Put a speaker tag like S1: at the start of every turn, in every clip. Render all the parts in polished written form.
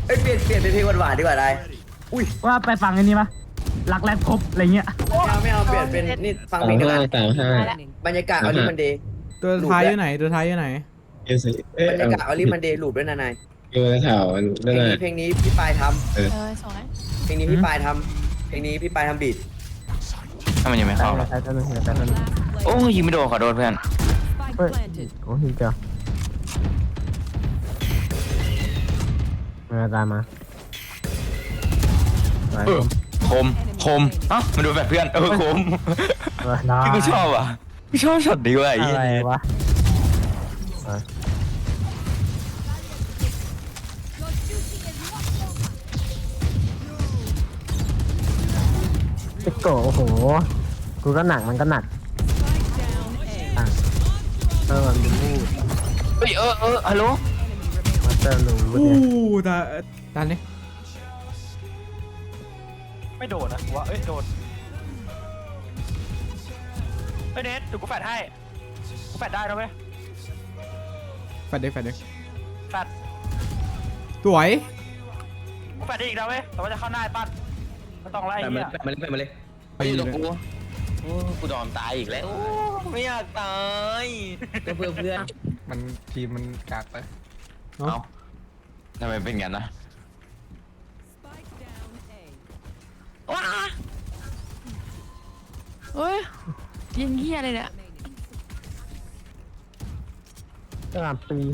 S1: เอ้ยเปลี่ยนเป็นเพลงหวานๆดีกว่าได้อุ้ย
S2: ว่าไปฟังอันนี้ปะรักแรกพบอะไรเงี้ย
S1: ไม่เอาเปลี่ยนเป็นนี่ฟังเพลงเดียวกันบรรยากาศออลิมันเดย์
S3: ตัวท้ายอยู่ไหนตัวท้ายอยู่ไหน
S4: เอสิ
S1: บรรยากาศออลิมันเดย์ลูปด้วยนะนาย
S4: อยู่ในแถวนั่นแหละ
S1: เพลงนี้พี่ปายทำ
S5: สวย
S1: เพลงนี้พี่ปายทำเพลงนี้พี่ปายทำบีท
S6: ถ้ามันยังไม่เข้าหรอโอ้ยิงไม่โดนขอโดนเพื่อน
S2: เฮ้ยโอ้ยเจ้ามาตามมา
S6: คมอ่ะมาดูแบบเพื่อนคมพี่กูชอบอ่ะพี่ชอบช็อตดีว่ะไอ้
S2: อะไรวะโอ้โหกูก็หนักมันก็หนักมันดูมูด
S6: เฮ้ยฮัลโหล
S2: มาเตอร์ลู
S3: ตาเนี่ย
S7: ไม่โดนนะวะโดนเนทถูกกูแฟดให้กูแฟดได้แล้วไหม
S3: แฟดเด็ก
S7: แฟด
S3: สวย
S7: กูแฟดได้อีกแล้วไหมแต่ว่าจะเข้าหน้าปั้นไม่ต้องไล่เนี่ย
S1: มาเลย
S6: ไปอยู่ตรงกูกูยอมตายอีกแล้วไม่อยากตาย
S1: ก็เพื่อน
S3: มันทีมมันกากไป
S6: เอ้าทำไมเป็นงั้นนะ
S5: ว้าเฮ้ยยิงเหี้ยเลยเนี่ย
S2: กระหล่ำปี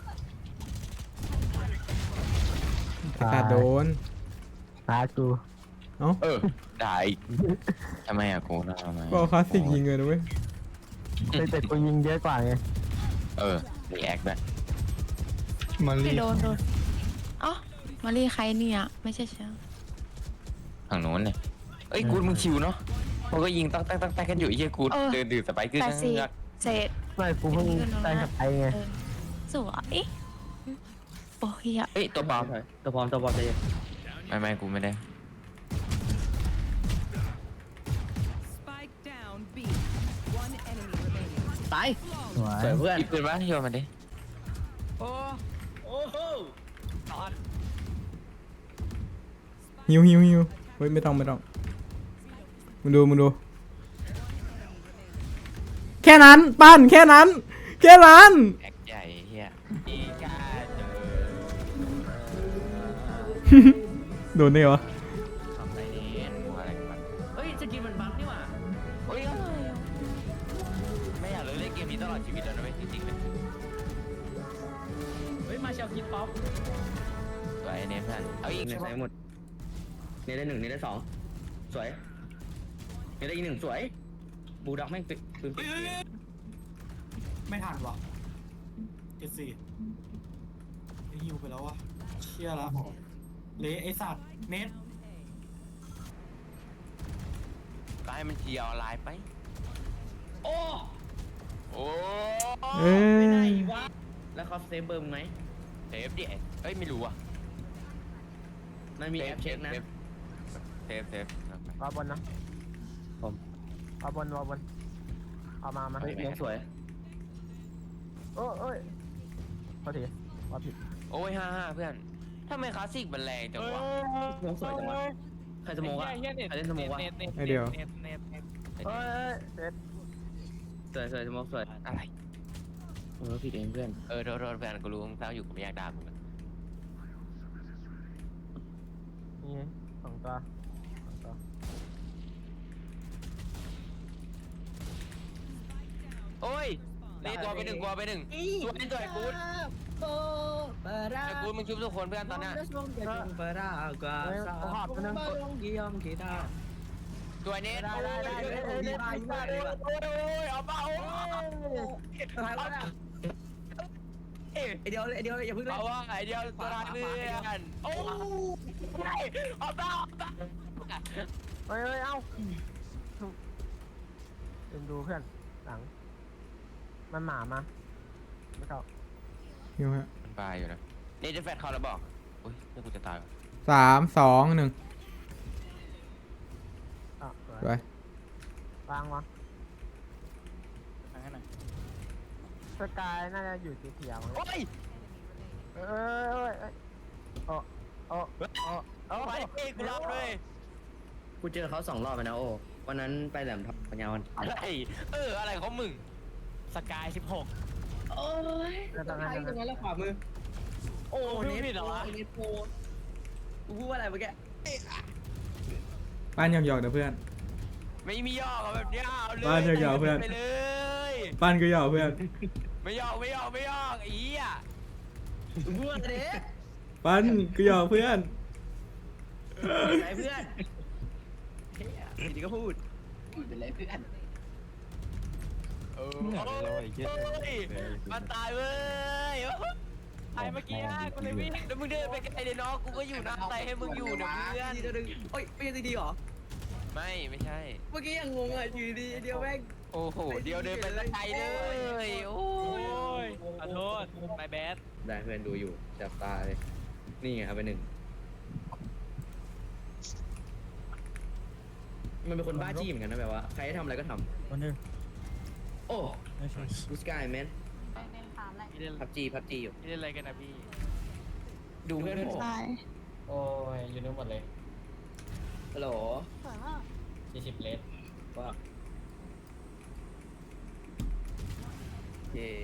S3: ขาดโดน
S2: ตายกู
S6: ได้ทำไมอะกูทำไม
S3: ก็คลาสสิกยิงเลยนะเว้ย
S2: แต่กูยิงเยอะกว่าไง
S6: รีแอคแบบ
S3: มาลี
S5: โดนอ๋อมาลีใครเนี่ยไม่ใช่เชียว
S6: ฝั่งโน้นเนี่ยเอ้ยกูมึงชิวเนาะเขาก็ยิงตั้งกันอยู่ไอ้เหี้ยกูเดินดื่มสไปขึ้น
S5: เศษ
S2: ไม่กูเพิ่งได้กับไอ้ไง
S5: สวยโอ้ย
S6: เอ้ยตัวปลอม
S1: เลย
S6: ไม่กูไม่ได้
S1: ตาย
S2: สวย
S1: เพื่อน
S6: อีกปืนวะโยนมาดิ
S1: โอ้โห
S3: ฮิวเฮ้ยไม่ต้องมึงดูแค่นั้นปั้นแค่นั้น
S6: แอคใหญ่เฮียอีกา
S3: โดนได้เหรอ
S6: ทำอะไรเนี่ยอะไรกัน
S1: เฮ้ยจะกินมันบั๊กนี่หว่า
S6: เฮ้ยไม่อยากเลยเล่นเกมนี้ตลอดชีวิตแล้วนะเว้ยจริงๆเลย
S1: เฮ้ยมาเชียวคิดป๊อป
S6: สวยเนมท่านเอาอีก
S1: ในสายหมดเนได้1เนได้2สวยเนได้อีก1สวยบูด็อกแม่งปืน
S7: ไม่ทันวะ74ฮิวไปแล้ววะเชี่ยละเละไอสัตว์เน็ต
S6: ก็ให้มันเจียวลายไปโอ้
S1: ไม่ได้วะแล้วเขาเซฟเบอร์ไหม
S6: เซฟดิเอ้ยไม่รู้อ่ะ
S1: มันมีแอปเช็คนะ
S6: เซฟ
S2: วาบนนะผมวาบนเอามา
S1: เฮ้ยมองสวย
S2: โอ้ยพอดีว่าผิด
S6: โอ้ย55เพื่อนทำไมคลาสสิกมันแรงจังวะ
S1: มองสวยจังวะใครสมองวะใครเล่นสมองวะ
S3: ไอเดียว
S1: สวยสมองสวย
S6: อะไร
S1: ผิดเองเพื่อน
S6: โทษเพื่อนกูรู้มึงเศร้าอยู่กูไม่อยากด่ามึง
S2: นี่สองตัว
S6: โอ้ยนี่ตัวไปหนึ่งตัวไอ้กูดไอ้กูดมึงชุบทุกคนเพื่อนตอนนี้ตัวนี้
S2: ได้
S6: เอาเปล่า
S1: เดียวอย่าพึ่งเลย
S6: เอาว่าไอเดียวตัวรักเพื่อนโอ้ยเอาเปล่า
S2: เฮ้ยเอ้าดูเพื่อนหลังมันหมามาไม่เข้า
S3: ฮิวฮะ
S6: มันปลายอยู่นะนี่จะแฟดเขาแล้วบอกอุ้ยนี่กูจะตาย
S3: 3 2 1ไป
S2: วางวะสกายน่าจะอยู่สีเขียว
S6: โอ้ย
S2: โโอ้โอ้โอ้
S6: ไปกูรับเลย
S1: กูเจอเขา2 รอบไปนะโอ้วันนั้นไปแหลมทองปัญญาวัน
S6: อะไรอะไรของมึง
S7: สกาย16
S1: โอ้ย
S2: ตรงนั้น
S1: ตรงนั้นแล้วขวามือโอ้
S7: พูดผิดเหรอวะ
S1: เนทโปกูพูดว่าอะไรเมื่อกี้
S3: ป้านหยอกๆนะเพื่อน
S6: ไม่มียอกแบบเนี้ยเอาเลย
S3: บ้านยาวๆเพื่อน
S6: ไปเลย
S3: ป้านก็หยอกเพื่อน
S6: ไม่ยอกอีอ่ะ
S1: กูพูดว่าอะไรเนท
S3: ป้านก็หยอกเพื่อน
S1: ไรเพื่อนเฮ้ยทีนี้ก็พูดเป็นไรเพื่อน
S6: มันตายเว้ยตายเมื่อกี้กูเลยวิ่งแล้วมึงเดินไปไกลเลยน้องกูก็อยู่น้ำใจให้มึงอยู่นะเพื่อน
S1: ทีเดียวดึงโอ้ยไม่ใช่ทีเดียวเหรอ
S6: ไม่ใช่
S1: เมื่อกี้ยังงงอ่ะอยู่ดีเดียวแม่ง
S6: โอ้โหเดียวเดินไปละไกลเลยโอ้
S7: โอ้ยขอโทษไม่แบด
S1: ได้เพื่อนดูอยู่จับตาเลยนี่ไงครับไป1มันเป็นคนบ้าจี้เหมือนกันนะแบบว่าใครให้ทำอะไรก็ท
S2: วันนึง
S1: ำโอ้กูสกายแมน
S7: พี่เล่น
S1: พับจีอยู่
S7: พี่เล่นอะไรกันนะพี่
S1: ดูเพื่อนผม
S5: ใช่
S8: โอ้ยอยู่นู่นหมดเลย
S1: ฮัลโหล
S8: 40เลส
S1: ว่าเย่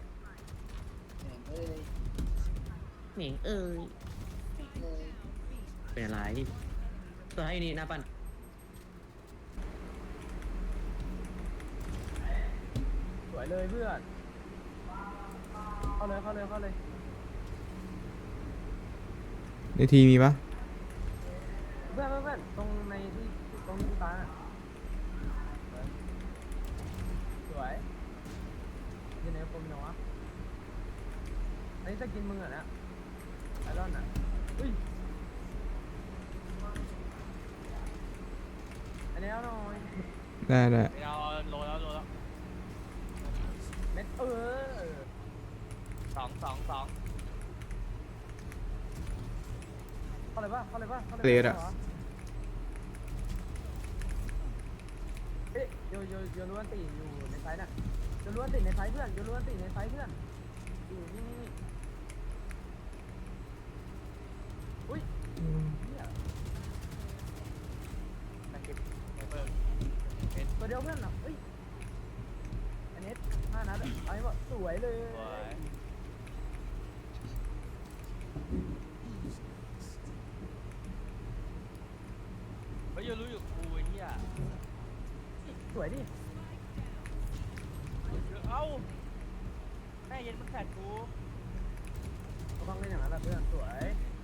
S1: หนิงเป็นอะไรตัวให้นี่หน้าปั้น
S2: สวยเลยเพื่อนเข้าเลย
S3: ในทีมีปะ
S2: เพื่อนตรงในที่ตรงที่ตาสวยยังไงผมเนาะอันนี้จะกินมึงเหรอเนี่ยไอรอนอ่ะอุ้ยอันนี้เอาหน่อย
S3: ได้ได้
S7: เราโลแล้ว
S2: เม็ด
S7: 2
S2: 2เข้าเลยป่ะเอ๊ะโยล้วนตีอยู่ในไซส์น่ะโยล้วนตีในไซส์เพื่อนอยู่นี่อุ้ยเนี่ยตัวเดียวเพื่อนอ่ะเฮ้ยอันนี้5 นัดไอ้บอกสวยเลย
S7: เฮ้ยรู้อยู่กูไอ้เหี้ย
S2: สวยดิ
S7: เอ้าแม่เย็นมันแผดกู
S2: ก็ต้องเล่นอย่างนั้นแหละเพื่อนสวย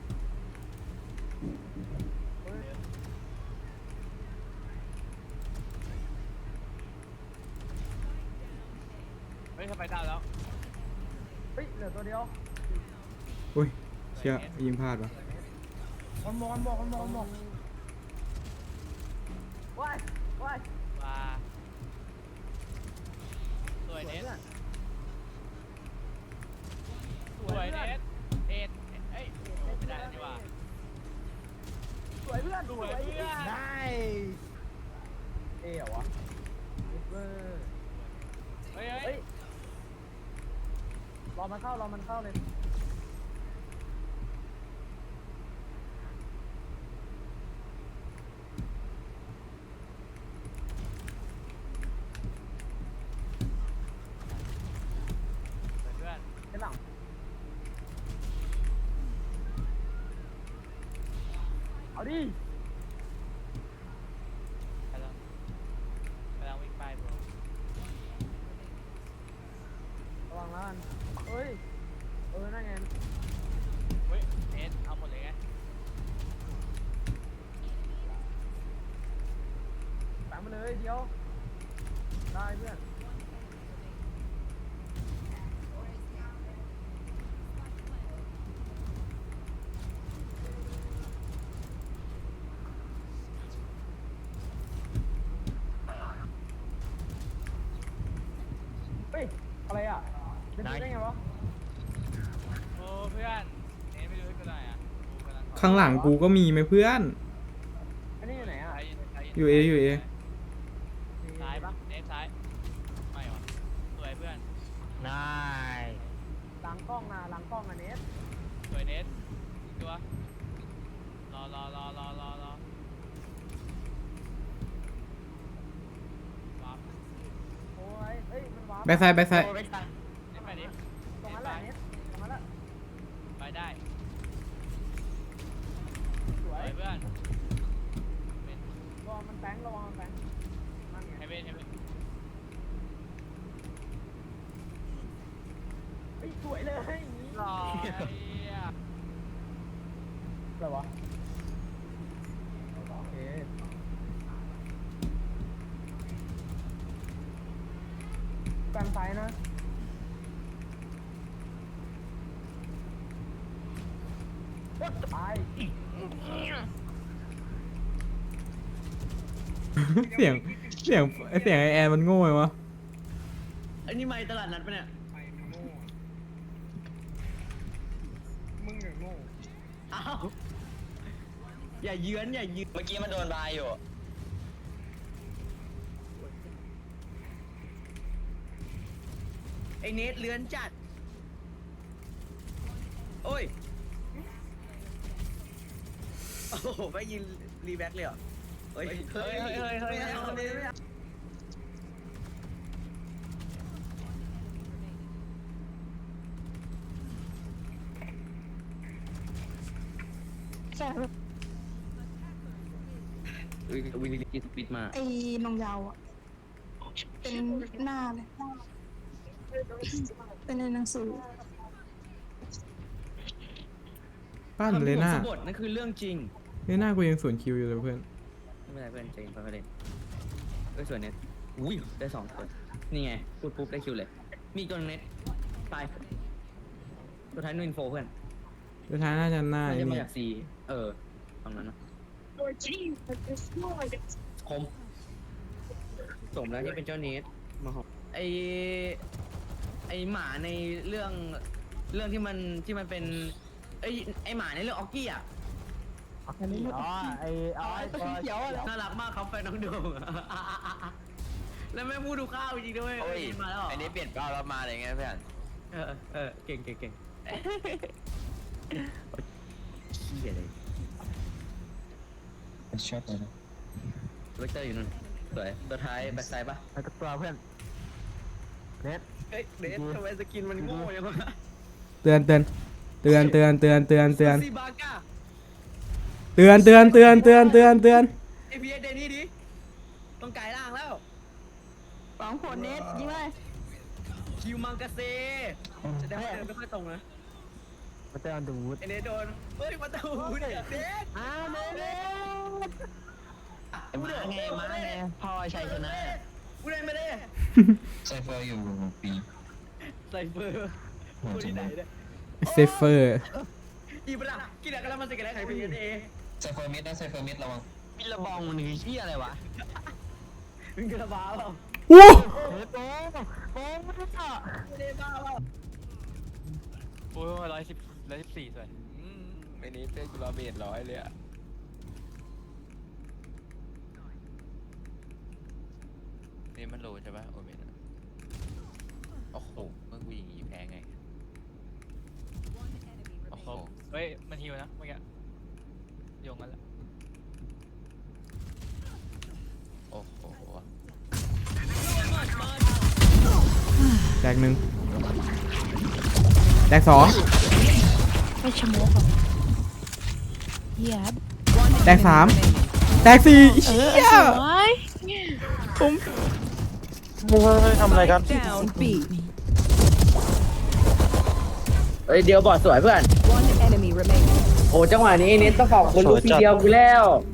S2: เฮ้ย
S7: เฮ้ยทำไมดาวแล้ว
S2: เฮ้ยเหลือตัวเดียว
S3: อุ้ยเชี่ยยิงพลาดวะ
S2: มันมองว้าย
S7: มาสวย
S2: สวย
S7: เน็ต
S2: เพื่อน
S7: สวยเน็ตเอ็ดเอ้ยไม่ได้ดีกว่า
S2: สวยเพื่อน
S7: สวยเพื่อน
S2: ได้เอ๋เหรอวะเวอร์
S7: เฮ้
S2: เฮ้
S7: ย
S2: ยรอมันเข้าเลย
S7: เพื่อน
S2: ไอ้หลังเอาดิ
S7: กำลังวิ่งไปบร
S2: ระวังแล้วกันเฮ้ยนั่นไง
S7: เฮ้ยเอ็ดเอาหมดเลยไง
S2: ตามมาเลยเดียวได้เพื่อนเฮ้ยอะไรอ่ะเป็นไปได้ไงวะ
S7: โอ้เพื่อนเอ็ดไม่รู้ให้กูหน่อยอ่ะกูกำลัง
S3: ข้างหลังกูก็มีไหมเพื่อน
S2: อันนี้อยู่ไหนอ่ะ
S3: อยู่เออยู่เอ
S7: ซ้ายปะเอ็ดซ้ายไม่หรอสวยเพื่อน
S6: นาย
S2: หลังกล้องนะเนส
S7: สวยเน็ตตัว
S2: โอ้ยเอ้ยมันว้าว
S3: แบ็คไซด์แบ็คไซด์
S6: โอ้ไม่ใช่ไปดิ
S2: ตรงนั้นแหละเน็ตตรงนั้นแหละ
S6: ไปได้
S2: สวย
S6: เพื่อน
S2: ระวังมันแป้งระวังมันแป้งนั่นไง
S6: ให้เว้นให้เว้น
S2: เฮ้ยสวยเลยอย่างนี้
S6: รอ
S2: อะไรวะโอเคกันไฟนะตาย
S3: เสียงเสียงไอแอนมันโง่เลยวะ
S1: ไอ้นี่ไม่ตลาดนัดปะเนี่ย
S2: มึงอย่างโง่
S1: อ้าวอย่าเยือนอย่าเยือน
S6: เมื่อกี้มันโดนบายอยู่
S1: ไอ้เนทเลือนจัดโอ้ยโอ้โหไปยิงรีแบ็คเลยเหรอเฮ้ยไม่เอาไม่เอา วิลลี่สปิดมา
S5: ไอ้นงยาวอ่ะ เป็นหน้าเลย เป็นในหนังสือ
S3: ปั้นเลยหน้า
S1: สบทนั่นคือเรื่องจริง
S3: เลยหน้ากูยังสวนคิวอยู่เลยเพื่อน
S1: ไม่เป็นไรเพื่อนใจเย็นไปเล่นก็ส่วนเน็ตอุ้ยได้2 คนนี่ไงพูดปุ๊บได้คิวเลย มีตัวเน็ตตายตัวท้ายนูอินโฟเพื่อน
S3: สุดท้ายน่าจะหน้า
S1: น่า
S3: ไอ้
S1: จะมา
S3: นี่
S1: จากซีตรงนั้นนะคมสมแล้วที่เป็นเจ้าเนทมาหอมไอหมาในเรื่องที่มันเป็นไอหมาในเรื่องออกกี้อ่ะ
S2: อ๋อไอ้ตัวเขียวอะไร
S1: น่ารักมากครับแฟนน้องโดม แล้วแม่พูดดูข้าวจริงด้วย
S6: โอ้ย
S1: มาแล้วเหรอ
S6: อันนี้เปลี่ยนเป้าแล้วมาเลยไงเพื่อน
S1: เก่งขี้อะไร
S4: ชอบเลยนะ
S1: เวกเตอร์อยู่นู่นสวยตัวท้ายแบ็คไซด์ปะ
S2: ไอ้ตัวเพื่อนเน็ต
S1: เฮ้ยเดททำไมสกินมันโง่ยังวะ
S3: เตือน
S1: ซีบาก้า
S3: เตือน
S1: ไอพีเอเดนี่ดิต้องไก่ล่างแล้ว
S5: สองคนเน็ตยิงเลย
S1: คิวมังกาเซ่จะได้เดินไม่ค่อยตรงนะ
S2: มาเจอดูด
S1: ไอเนทโดนเฮ้ยมาตูเด็ดเด็ด
S2: อ้าวเน็ต
S6: มาไงพ่อชัยชนะ
S1: กูได้ไม่ได้
S4: ไซเฟอร์อยู่ปี
S1: ไซเฟอร์คนที่ไหนเนี่ย
S3: เซฟเฟอร์
S1: อีบล่ะกินอะไรกันแล้วมันจะกินอะไรใครพีเอ
S4: ไซเฟอร์มิดนะไซเฟอร์มิดระวัง
S6: บิลลบองมันคือที่อะไรวะ
S1: มึงกระบ้าเปล่า
S3: โอ้
S2: โอ้ไม่ได้ต่อ
S1: ไม่ได้บ้าเปล่า
S6: โอ้ย114สวยไอ้นี้เพื่อนกูรอเบส100เลยอะนี่มันโลใช่ปะโอเมนโอ้โหเมื่อกูยิงอีแพ้ไงโอ้โห
S7: เฮ้ย มันฮิวนะเมื่อกี้โยงกันแล้ว
S6: โอ้โห
S3: แตก 1แตก 2
S5: ไม่ชะโมกอ่ะเหี้ย
S3: แตก 3แตก 4
S5: เออ
S3: เหี้ย
S5: สวย
S7: ทำอะไรกัน
S1: เฮ้ยเดียวบอดสวยเพื่อนโอ้จังหวะนี้เน็ตต้องขอบคุณลูกทีเดียวกูแล้ว